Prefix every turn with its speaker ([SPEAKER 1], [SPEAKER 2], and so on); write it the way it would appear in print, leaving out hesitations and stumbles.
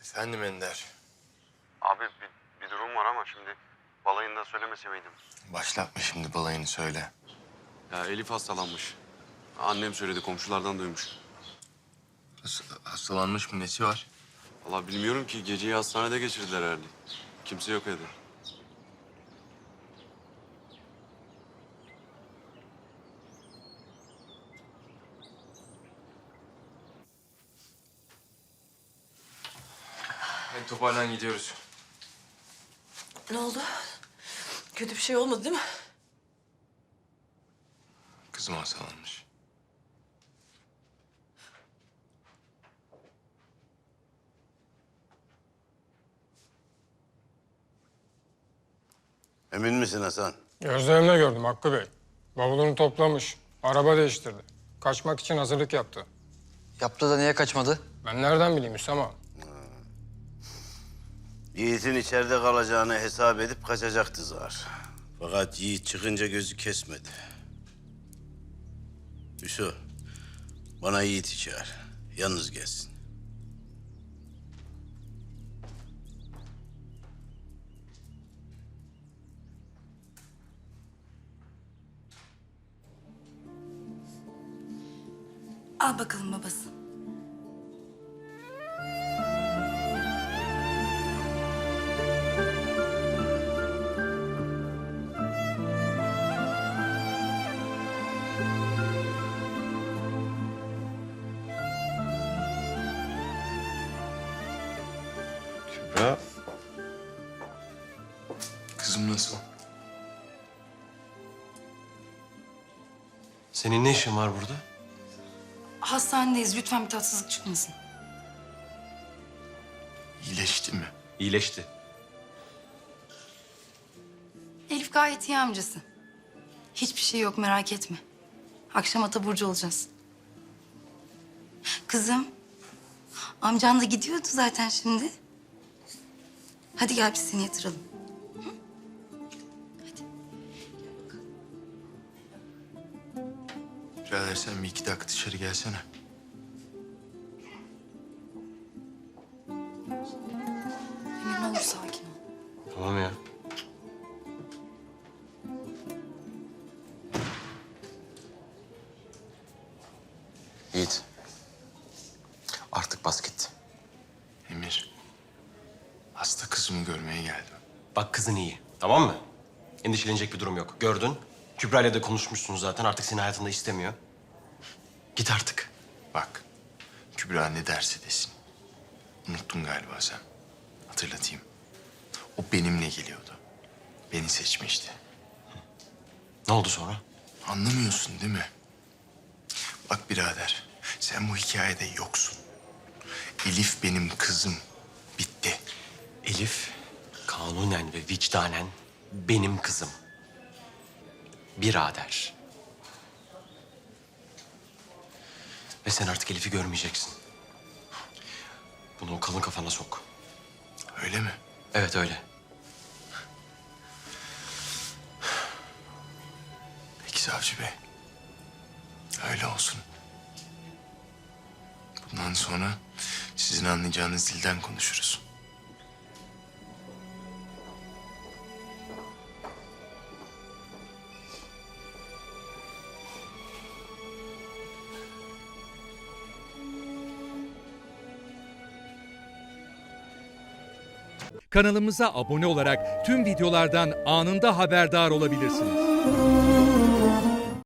[SPEAKER 1] Efendim Ender.
[SPEAKER 2] Abi bir durum var ama şimdi balayında söylemese miydim?
[SPEAKER 1] Başlatma şimdi balayını söyle.
[SPEAKER 2] Ya Elif hastalanmış. Annem söyledi, komşulardan duymuş.
[SPEAKER 1] Hastalanmış mı, nesi var?
[SPEAKER 2] Vallahi bilmiyorum ki, geceyi hastanede geçirdiler herhalde. Kimse yok evde.
[SPEAKER 1] Hadi toparlan, gidiyoruz.
[SPEAKER 3] Ne oldu? Kötü bir şey olmadı değil mi?
[SPEAKER 1] Kızım hastalanmış.
[SPEAKER 4] Emin misin Hasan?
[SPEAKER 5] Gözlerimle gördüm Hakkı Bey. Bavulunu toplamış, araba değiştirdi. Kaçmak için hazırlık yaptı.
[SPEAKER 6] Yaptı da niye kaçmadı?
[SPEAKER 5] Ben nereden bileyim Hüsam ağa?
[SPEAKER 4] Yiğit'in içeride kalacağını hesap edip kaçacaktı zar. Fakat Yiğit çıkınca gözü kesmedi. Hüsnü, bana Yiğit'i çağır. Yalnız gelsin.
[SPEAKER 3] Al bakalım babası.
[SPEAKER 1] Kübra. Kızım nasıl?
[SPEAKER 7] Senin ne işin var burada?
[SPEAKER 3] Hastanedeyiz. Lütfen bir tatsızlık çıkmasın.
[SPEAKER 1] İyileşti mi?
[SPEAKER 7] İyileşti.
[SPEAKER 3] Elif gayet iyi amcası. Hiçbir şey yok, merak etme. Akşam Ataburcu olacağız. Kızım, amcan da gidiyordu zaten şimdi. Hadi gel biz seni yatıralım.
[SPEAKER 1] Birader sen bir 2 dakika dışarı gelsene.
[SPEAKER 3] Emir ne olur sakin ol.
[SPEAKER 7] Tamam ya. Yiğit. Artık bas git.
[SPEAKER 1] Emir. Hasta kızımı görmeye geldim.
[SPEAKER 7] Bak kızın iyi. Tamam mı? Endişelenecek bir durum yok. Gördün. Kübra ile de konuşmuşsunuz zaten. Artık seni hayatında istemiyor. Git artık.
[SPEAKER 1] Bak. Kübra ne derse desin. Unuttun galiba sen. Hatırlatayım. O benimle geliyordu. Beni seçmişti.
[SPEAKER 7] Ne oldu sonra?
[SPEAKER 1] Anlamıyorsun değil mi? Bak birader, sen bu hikayede yoksun. Elif benim kızım. Bitti.
[SPEAKER 7] Elif kanunen ve vicdanen benim kızım. Birader. Ve sen artık Elif'i görmeyeceksin. Bunu o kalın kafana sok.
[SPEAKER 1] Öyle mi?
[SPEAKER 7] Evet öyle.
[SPEAKER 1] Peki savcı bey. Öyle olsun. Bundan sonra sizin anlayacağınız dilden konuşuruz.
[SPEAKER 8] Kanalımıza abone olarak tüm videolardan anında haberdar olabilirsiniz.